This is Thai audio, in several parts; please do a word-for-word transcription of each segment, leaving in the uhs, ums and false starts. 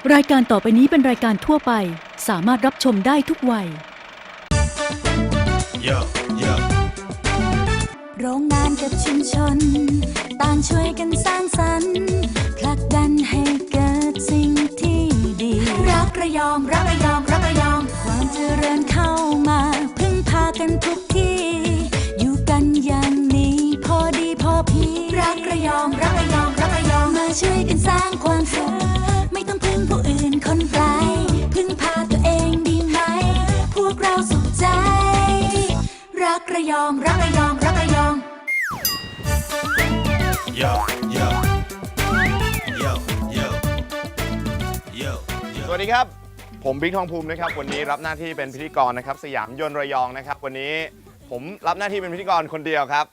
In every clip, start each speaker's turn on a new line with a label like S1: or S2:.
S1: รายการต่อไปนี้เป็นรายการทั่วไปสามารถรับชมได้ทุกวัย
S2: Yo, yo.
S3: โรงงานกับชุมชนต่างช่วยกันสร้างสรรค์ผลักดันให้เกิดสิ่งที่ดีรักระยองรักระยองรักระยองความเจริญเข้ามาพึ่งพากันทุกที่อยู่กันอย่างนี้พอดีพอเพียงรักระยองรักระยองรักระยองมาช่วยกันสร้างความสุขไม่ต้องพึ่งผู้อื่นคนไกลพึ่งพาตัวเองดีไหมพวกเราสุขใจรักระยองรักระยองรักระยอง
S2: Yo, yo. Yo, yo. Yo,
S4: สวัสดีครับผมบิ๊กทองภูมินะครับวันนี้รับหน้าที่เป็นพิธีกรนะครับสยามยนต์ระยองนะครับวันนี้ผมรับหน้าที่เป็นพิธีกรคนเดียวครับ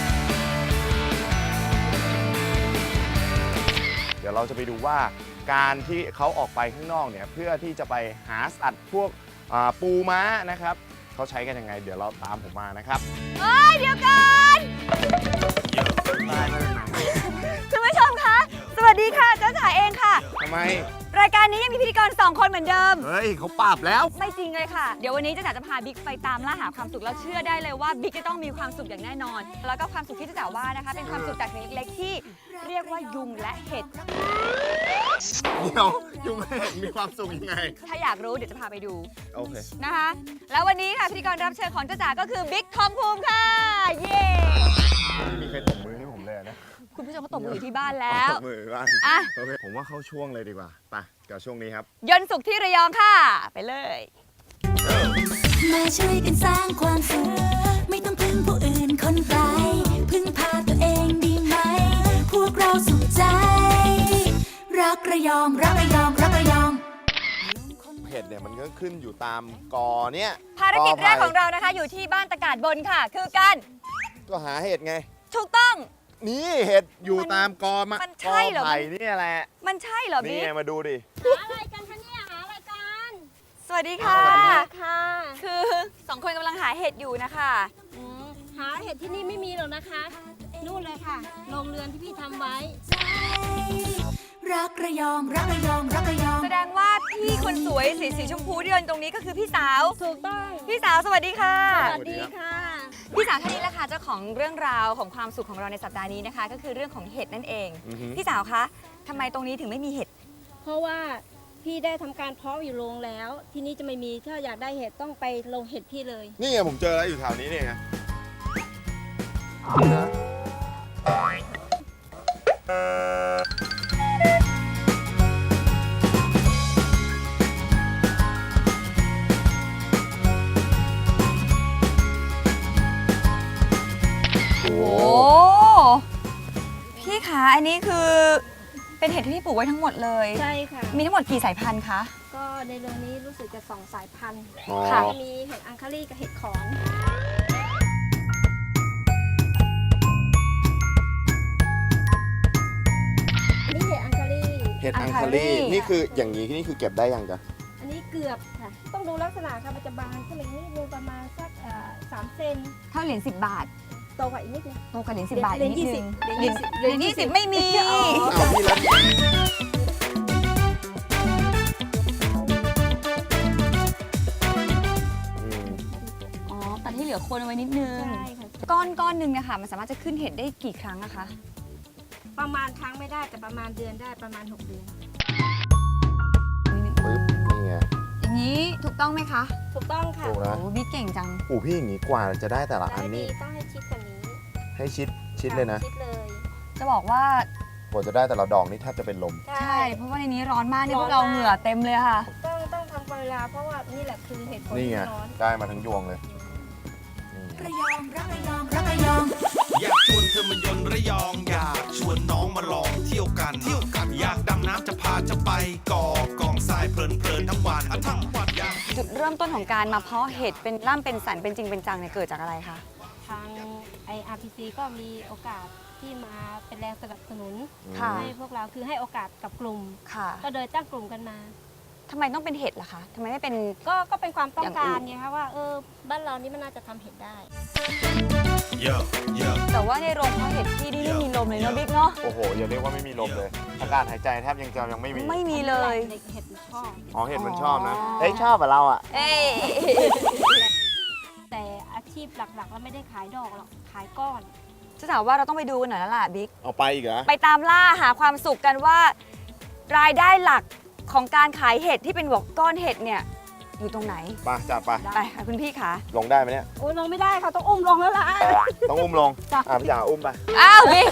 S4: เดี๋ยวเราจะไปดูว่าการที่เขาออกไปข้างนอกเนี่ยเพื่อที่จะไปหาสัตว์พวกปูม้านะครับเขาใช้กันยังไงเดี๋ยวเราตามผมมานะครับ
S5: เฮ้ยเดี๋ยวก่อน
S2: yo.
S5: คุณผู้ชมคะสวัสดีค่ะเจ้าจ๋าเองค่ะ
S4: ทำไม
S5: รายการนี้ยังมีพิธีกรสองคนเหมือนเดิม
S4: เฮ้ยเขาปราบแล้ว
S5: ไม่จริงเลยค่ะเดี๋ยววันนี้เจ้าจ๋าจะพาบิ๊กไปตามล่าหาความสุขแล้วเชื่อได้เลยว่าบิ๊กจะต้องมีความสุขอย่างแน่นอน แล้วก็ความสุขที่เจ้าจ๋าว่านะคะเป็นความสุขจากสิ่งเล็กๆที่เรียกว่ายุงและเห็ด
S4: เดี๋ยวยุงแม่มีความสุขยังไง
S5: ถ้าอยากรู้เดี๋ยวจะพาไปดู
S4: โอเค
S5: นะคะแล้ววันนี้ค่ะพิธีกรรับเชิญของเจ้าจ๋าก็คือบิ๊กทองภูมิค่ะเย้
S4: ไม่มีใครตบมือให้ผมเลยนะ
S5: คุณผู้ชมก็ตบมืออยู่ที่บ้านแล้ว
S4: ตบมือบ้าง
S5: อ่ะ
S4: โอเคผมว่าเข้าช่วงเลยดีกว่าไปกับช่วงนี้ครับ
S5: ยนต์สุขที่ระยองค่ะไปเลย
S3: มาช่วยกันสร้างความสุขไม่ต้องพึ่งผู้อื่นคนไกลพึ่งพาตัวเองดีไหมพวกเราสุขใจรักระยองรักระยองรักระยอง
S4: เห็ดเนี่ยมันก็ขึ้นอยู่ตามกอเนี่ย
S5: ภารกิจแรก
S4: ไผ่
S5: ของเรานะคะอยู่ที่บ้านตะกาดบนค่ะ คือการ
S4: ก็หาเห็ดไง
S5: ถูกต้อง
S4: นี่เห็ดอยู่
S5: มัน
S4: ตามกอมะ
S5: มันใช่เหรอ
S4: กอไผ่นี่แหละ
S5: มันใช่เหรอ
S4: นี่
S5: บิ๊ก
S4: ไงมาดูดิ
S6: อะไรกันคะเนี่ยหาอะไรกัน
S5: สวัสดีค่ะ
S6: ค่ะ
S5: คือสองคนกำลังหาเห็ดอยู่นะคะ
S6: อืมหาเห็ดที่นี่ไม่มีหรอกนะคะ นู่นเลยค่ะโรงเรือนที่พี่ทำไว้
S3: รักระยองรักระยองรักระยอง
S5: แสดงว่าพี่คนสวยสีสีชมพูที่เดินตรงนี้ก็คือพี่สาว
S6: ถูกต้อง
S5: พี่สาวสวัสดีค่ะ
S6: สวัสดีค่ะ
S5: พี่สาวท่านนี้แหละค่ะเจ้าของเรื่องราวของความสุขของเราในสัปดาห์นี้นะคะ ก็คือเรื่องของเห็ดนั่นเอง
S4: อือฮึ
S5: พี่สาวคะทำไมตรงนี้ถึงไม่มีเห็ด
S6: เพราะว่าพี่ได้ทำการเพาะอยู่โรงแล้ว ที่นี่จะไม่มีถ้าอยากได้เห็ดต้องไปลงเห็ดพี่เลย
S4: นี่ไงผมเจอแล้วอยู่แถวนี้นี่ไงนะ
S5: โอ้พี่คะอันนี้คือเป็นเห็ดที่พี่ปลูกไว้ทั้งหมดเลย
S6: ใช่ค่ะ
S5: มีทั้งหมดกี่สายพันธุ์คะ
S6: ก็ในเรือนนี้รู้สึกจะสองสายพันธุ์
S4: อ๋อ
S5: ค่ะ
S6: มีเห็ดอังคารีกับเห็ดขอน อันนี้เห็ดอังคารี
S4: เห็ดอัง
S5: อังคา
S4: คา
S5: รี
S4: รีนี่คืออย่างนี้นี่คือเก็บได้ยังจ๊ะ
S6: อันนี้เกือบค่ะ ต้องดูลักษณะค่ะมันจะบานขึ้นอย่างนี้ดูประมาณสักเอ่อสามเซน
S5: เท่าเหรียญสิบบาท
S6: โตกว่าอีกนิดนึง
S5: โตกว่าเหรียญสิบบาท
S6: เหรียญ
S5: นิดนึง
S6: ยี่สิบ
S5: เหรียญ
S6: เห
S5: เห
S6: รี
S5: รี
S6: ย
S5: ย
S6: ญ
S5: ญ
S6: ยี่
S5: ยี่
S6: สิ
S5: สิ
S6: บ
S5: บไม่มี
S6: อ๋อ
S4: อ้าวพี่แล้วอืม
S5: อ๋อตัดให้เหลือโคนเอาไว้นิดนึง
S6: ใช่ค่ะ
S5: ก้อนก้อนหนึ่งนะคะมันสามารถจะขึ้นเห็ดได้กี่ครั้งอะคะ
S6: ประมาณครั้งไม่ได้แต่ประมาณเดือนได้ประมาณหกเดือน
S4: ปึ๊บนี่ไง
S5: อย่างนี้ถูกต้องไหมคะ
S6: ถูกต้องค่ะ
S4: ถูก
S5: โอ้
S4: นะ
S5: บิ๊กเก่งจัง
S4: โอ้พี่อย่างนี้กว่าจะได้แต่ละอั
S6: ได้
S4: น
S6: ดี
S4: นี่
S6: ต้องให้ชิดกว่านี้
S4: ให้ชิดชิดเลยนะ
S6: ชิดเลย
S5: จะบอกว่าก
S4: ว่าจะได้แต่ละดอกนี่แทบจะเป็นลม
S5: ใช่เพราะว่าในนี้ร้อนมากนี่พวกเราเหงื่อเต็มเลยค่ะ
S6: ต้องต้องทำเวลาเพราะว่านี่แหละคือเหตุผล
S4: นี่ไง
S6: ที่ร้อน
S4: ได้มาทั้งยวงเลยนี่
S3: ระยองรักระยองรักระยอง
S2: อยากชวนเธอมายนต์ระยอง อยากชวนน้องมาลองเที่ยวกันเที่ยวกัน อยากดำน้ำจะพาจะไปก่อกองทรายเพลินเพลินทั้งวันอ่ะทั้งวันอยาก
S5: จุดเริ่มต้นของการมาเพาะเห็ดเป็นร่ำเป็นสันเป็นจริงเป็นจังเนี่ยเกิดจากอะไรคะ
S6: ทางไออาร์พีซีก็มีโอกาสที่มาเป็นแรงสนับสนุน
S5: ค่ะ
S6: ให้พวกเราคือให้โอกาสกับกลุ่ม
S5: ค่ะ
S6: ก็โดยตั้งกลุ่มกันมา
S5: อทำไมต้องเป็นเห็ดล่ะคะทำไมไม่เป็น
S6: ก็ก็เป็นความต้องการ
S5: อย่างอื่น
S6: ไงคะว่าเออบ้านเรานี่มันน่าจะทำเห็ดได้
S2: Yeah, yeah.
S5: แต่ว่าในโรงเพาะเห็ดที่นี่ไม่มีลมเลยเนาะบิ๊กเนาะ
S4: โอ้โหอย่าเรียกว่าไม่มีลมเลยอากาศหายใจแทบยังจะยังไม่มี
S5: ไม่มีเลย
S6: เด็กเห็ดมันชอบ
S4: อ๋อเห็ดมันชอบนะ
S5: อ๋อ
S4: เฮ้ยชอบอะเราอะ
S5: เอ้ย
S6: แต่อาชีพหลักๆเราไม่ได้ขายดอกหรอกขายก้อน
S5: จะถามว่าเราต้องไปดูกันหน่อยแล้วล่ะบิ๊ก
S4: เอาไปอีกเหรอ
S5: ไปตามล่าหาความสุขกันว่า รายได้หลักของการขายเห็ดที่เป็นบอกก้อนเห็ดเนี่ยอยู่ตรงไหน
S4: ไปจัดไป
S5: ไปค่ะคุณพี่คะ
S4: ลงได้ไหมเนี่ย
S6: โอ้ยลงไม่ได้ค่ะต้องอุ้มลงแล้วล่ะ
S4: ต้องอุ้มลง อ่ะพี่จ๋าอุ้มไป
S5: อ้าวบิ๊ก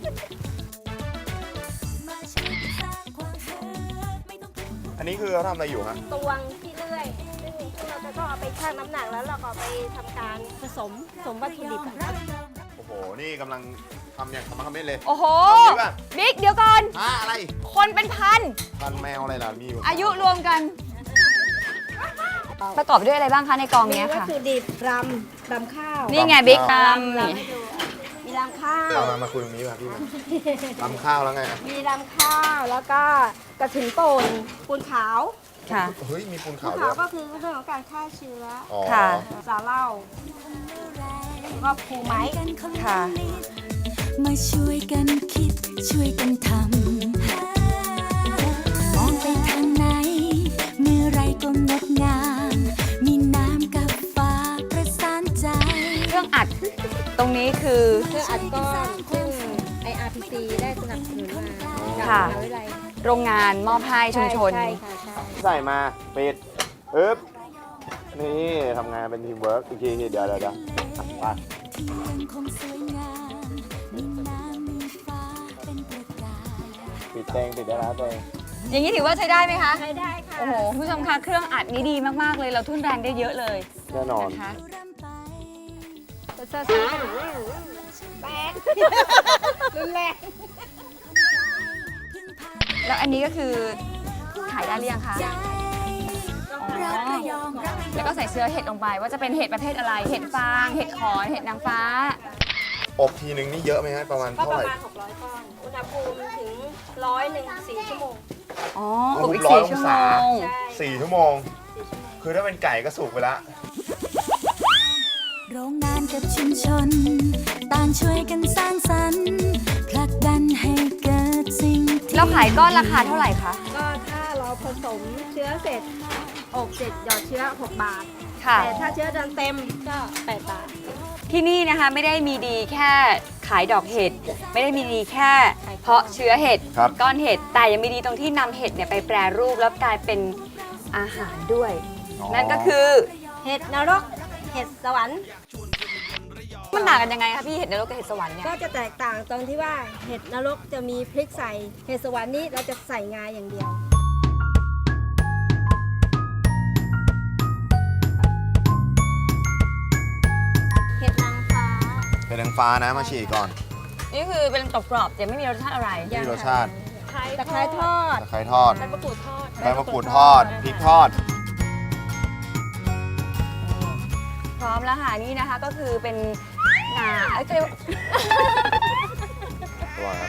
S4: อันนี้คือเขาทำอะไรอยู่ฮะ
S6: ตวงที่เลื่อยซึ่งซึ่งเราจะต้องเอาไปชั่งน้ำหนักแล้วเราก็เอาไปทำการผสมผสมวัตถุดิบอะ
S4: โอ้โห นี่กำลังทำอย่างทำมาทำเม็ดเลย
S5: โอ้โห
S4: เอางี้ป่ะ
S5: บิ๊กเดี๋ยวก่อน
S4: อ่ะอะไร
S5: คนเป็นพัน
S4: พันแมวอะไรล่ะ มีอยู่
S5: อายุรวมกัน ประกอบด้วยอะไรบ้างคะในกอง
S6: มี
S5: เนี้ย
S6: วัต
S5: ค่ะ
S6: ถุดิบรำรำข้าว
S5: นี่ไงบิ๊กตาม
S6: รำ
S5: นี่
S6: ให้ดูมีรำข้าว
S4: เอามามาคุยตรงนี้ป่ะพี่มาทำข้าวแล้วไงอ่ะ
S6: มีรำข้าวแล้วก็กระถิ่นป่นปูนขาว
S5: ค่ะ
S4: เฮ้ย มีปูน
S6: ปู
S4: ขาวน ด้
S6: ขาว
S4: วย
S6: ก็คือเรื่องของการฆ่าเชื้อ
S4: อ๋อ
S5: ค่ะ
S6: สาเหล้าแล้วก็ภูไม้
S5: ค่ะ
S3: มาช่วยกันคิดช่วยกันทำ มองไปทางไหน เมื่อไรก็งดงาม มีน้ำกับฟ้าประสานใจ
S5: เครื่องอัดตรงนี้คือ
S6: เครื่องอัดก้อนซึ่ง ไอ อาร์ พี ซี ได้สนับสนุนมาจาก
S5: ค่ะ
S6: มหาวิทยาลัย
S5: โรงงานมอบให้ชุมชน
S6: ใช่ค่ะใช่
S4: ใส่มาปิดอึ๊บ นี่ทำงานเป็นทีมเวิร์กอีกทีเดี๋ยวเดี๋ยวเดี๋ยวไป
S3: ที่ยังคงสวยงาม มีน้ำมีฟ้าเป็นประกาย
S4: ปิดเตงปิดได้แล้วเตง
S5: อย่างนี้ถือว่าใช้ได้ไหมคะ
S6: ใช้ได้ค่ะ
S5: โอ้โหคุณผู้ชมคะเครื่องอัดนี้ดีมากๆเลย เราทุ่นแรงได้เยอะเลย
S4: แน่นอน
S5: นะคะ
S6: เซอร์ซ่าแตกรุนแรง
S5: แล้วอันนี้ก็คือขายได้หรือยังคะ
S3: รักระยองรักระย
S5: แล้
S3: อ
S5: ว
S3: ง
S5: ก็ใส่เชื้อเห็ดลงไปว่าจะเป็นเห็ดประเภทอะไร เห็ดฟาง เห็ดขอน เห็ดนางฟ้า
S4: อบทีนึงนี่เยอะไหมฮะประมาณ
S6: ก็
S4: เท่า
S6: ป
S4: ไห
S6: ระ
S4: ร่
S6: มาณหกร้อยก้อน อุณหภูมิถึงร้อยหนึ่งสี่ชั่วโมง
S5: อ๋อ
S4: โอ้
S5: อบ
S4: โห
S5: อีก
S4: ร้อย
S5: สี่
S4: อง
S5: ชั่วโม
S4: ศา
S5: ง
S6: ใช่
S4: สี่ชั่วโมง
S6: สี่ชั่วโมง
S4: คือถ้าเป็นไก่ก็สุกไปละ
S3: โรงงานกับชุมชน ต่างช่วยกันสร้างสรรค์ผลักดันให้เกิดสิ่งที่
S5: แล้วขายก้อนราคาเท่าไหร่คะ
S6: ก็ถ้าเราผสมเชื้อเสร็จอบเสร็จหยอดเชื้อหกบาท
S5: ค่ะ
S6: แต่ถ้าเชื้อเดินเต็มก็แปดบาท
S5: ที่นี่นะคะไม่ได้มีดีแค่ขายดอกเห็ด ไม่ได้มีดีแค่เพาะเชื้อเห็ด
S4: ครับ
S5: ก้อนเห็ด แต่ยังมีดีตรงที่นำเห็ดเนี่ยไปแปรรูปแล้วกลายเป็นอาหารด้วย นั่นก็คือ
S6: เห็ดนรก เห็ดสวรรค์
S5: มันต่างกันยังไงคะพี่เห็ดนรกกับเห็ดสวรรค์เนี่ย
S6: ก็จะแตกต่างตรงที่ว่าเห็ดนรกจะมีพริกใส่ เห็ดสวรรค์นี่เราจะใส่งาอย่างเดียว เห็ดนางฟ้า
S4: เป็นนางฟ้านะมาฉีกก่อน
S5: นี่คือเป็นกรอบๆจะไม่มีรสชาติอะไร
S4: ไม่มีรสชาติ
S6: ตะไคร้ทอด
S4: ตะไคร้ทอด
S6: ใบมะกรูดทอด
S4: ใบมะกรูดทอด พริกทอด
S5: พร้อมแล้วค่ะนี่นะคะก็คือเป็นงาเอ้ยเรียกว่า
S4: ตัวครับ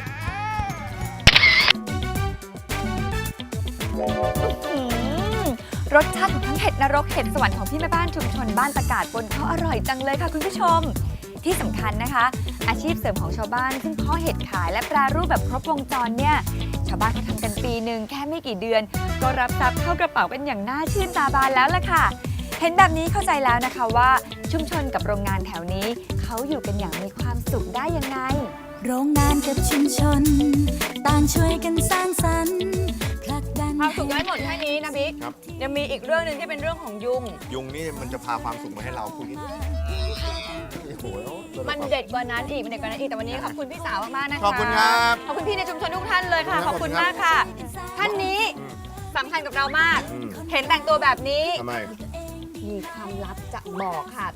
S5: อืมรสชาติของทั้งเห็ดนรกเห็ดสวรรค์ของพี่แม่บ้านชุมชนบ้านตะกาดบนเขาอร่อยจังเลยค่ะคุณผู้ชม ที่สำคัญนะคะ อาชีพเสริมของชาวบ้านซึ่งเพาะเห็ดขายและแปรรูปแบบครบวงจรเนี่ยชาวบ้านเขาทำกันปีหนึ่งแค่ไม่กี่เดือน ก็รับทรัพย์เข้ากระเป๋ากันอย่างน่าชื่นตาบานแล้วล่ะค่ะ เห็นแบบนี้เข้าใจแล้วนะคะว่าชุมชนกับโรงงานแถวนี้เขาอยู่กันอย่างมีความสุขได้ยังไง
S3: โรงงานกับชุมชน ต่างช่วยกันสร้างสรรค์ผลักดัน
S5: ความสุขยังไม่หมดแค่นี้นะบิ๊ก
S4: ครับ
S5: ยังมีอีกเรื่องหนึ่งที่เป็นเรื่องของยุง
S4: ยุงนี่มันจะพาความสุขมาให้เราคุณโอ้โห
S5: มันเด็ดกว่านั้นอีกมันเด็ดกว่านั้นอีกแต่วันนี้ขอบคุณพี่สาวมากๆนะคะ
S4: ขอบคุณครับ
S5: ขอบคุณพี่ในชุมชนทุกท่านเลยค่ะ ขอบคุณมากค่ะ ท่านนี้สำคัญกับเรามาก
S4: อืม
S5: เห็นแต่งตัวแบบนี้
S4: ทำไม
S5: มีความลับจะบอกค่ะ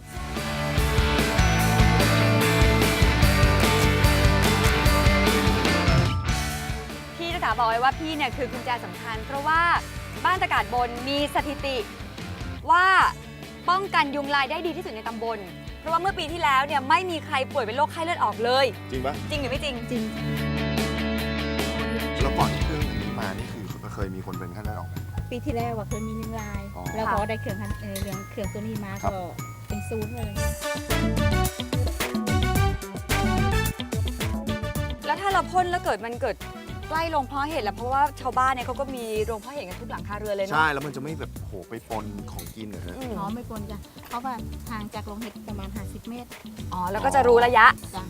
S5: พี่จะถามบอกไว้ว่าพี่เนี่ยคือกุญแจสำคัญ เพราะว่าบ้านตะกาดบนมีสถิติว่าป้องกันยุงลายได้ดีที่สุดในตำบล เพราะว่าเมื่อปีที่แล้วเนี่ยไม่มีใครป่วยเป็นโรคไข้เลือดออกเลย
S4: จริงปะ
S5: จริงหรือไม่จริง
S3: จริง
S4: แล้วก่อนที่เครื่องอันนี้มานี่คือเคยมีคนเป็นไข้เลือดออกไหม
S7: ปีที่แล้วว่าเคยมีหนึ่งราย
S4: อ๋อ
S7: แล้วพอได้เครื่องทันเอ่อเรื่องเครื่องตัวนี้มา
S4: ครับ
S7: ก็เป็นศูนย์เลย
S5: แล้วถ้าเราพ่นแล้วเกิดมันเกิดใกล้โรงเพาะเห็ดแล้วเพราะว่าชาวบ้านเนี่ยเขาก็มีโรงเพาะเห็ดกันทุกหลังคาเรือนเลยเนาะ
S4: ใช่แล้วมันจะไม่แบบโหไปปนของกินเหรอฮะ
S5: อืม
S7: อ๋อไม่ปนจ้ะเพราะว่าห่างจากโรงเห็ดประมาณห้าสิบเมตร
S5: อ๋อแล้วก็จะรู้ระยะ
S7: จ้ะ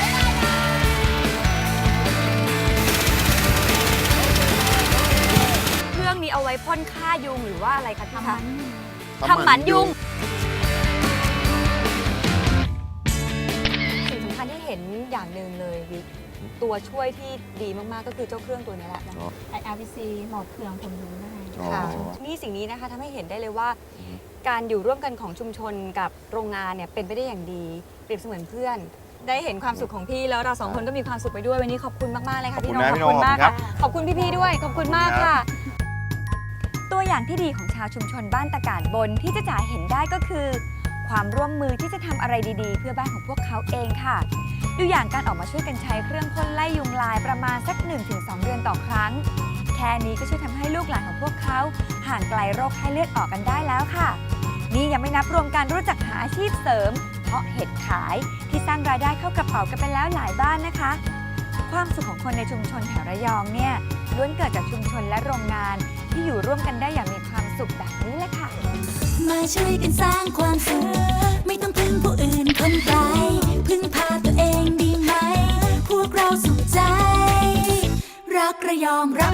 S5: เครื่องนี้เอาไว้พ่นฆ่ายุงหรือว่าอะไรคะพี่
S7: ทำ
S5: คะ
S7: มัน
S5: ทำหมันยุง สิ่งสำคัญที่เห็นอย่างหนึ่งเลยวิกตัวช่วยที่ดีมากๆก็คือเจ้าเครื่องตัวนี้แหละ
S4: อ๋อ
S7: ไออาร์พีซีหมดเครื่องผลยุงได้
S4: อ๋อ
S5: ค่ะนี่สิ่งนี้นะคะทำให้เห็นได้เลยว่า การอยู่ร่วมกันของชุมชนกับโรงงานเนี่ยเป็นไปได้อย่างดีเปรียบเสมือนเพื่อน ได้เห็นความสุขของพี่แล้วเราสองคนก็มีความสุขไปด้วยวันนี้ขอบคุณมากๆเลยค่ะพี่น้อง
S4: ขอบคุณนะพี่น้อง
S5: มาก
S4: ขอบคุณครั
S5: ค่ะ
S4: บ
S5: ขอบคุณพี่ๆด้วยขอบคุณมากค่ะ ตัวอย่างที่ดีของชาวชุมชนบ้านตะกาดบนที่จะจ๋าเห็นได้ก็คือ ความร่วมมือที่จะทำอะไรดีๆ เพื่อบ้านของพวกเขาเองค่ะ ดูอย่างการออกมาช่วยกันใช้เครื่องพ่นไล่ยุงลายประมาณสัก หนึ่งถึงสอง เดือนต่อครั้ง แค่นี้ก็ช่วยทำให้ลูกหลานของพวกเขาห่างไกลโรคไข้เลือดออกกันได้แล้วค่ะ นี่ยังไม่นับรวมการรู้จักหาอาชีพเสริม เพาะเห็ดขายที่สร้างรายได้เข้ากระเป๋ากันไปแล้วหลายบ้านนะคะ ความสุขของคนในชุมชนแถวระยองเนี่ยล้วนเกิดจากชุมชนและโรงงาน ที่อยู่ร่วมกันได้อย่างมีความสุขแบบนี้แหละค่ะ
S3: มาช่วยกันสร้างความสุขไม่ต้องพึ่งผู้อื่นคนไกลพึ่งพาตัวเองดีไหม พวกเราสุขใจ รักระยองรัก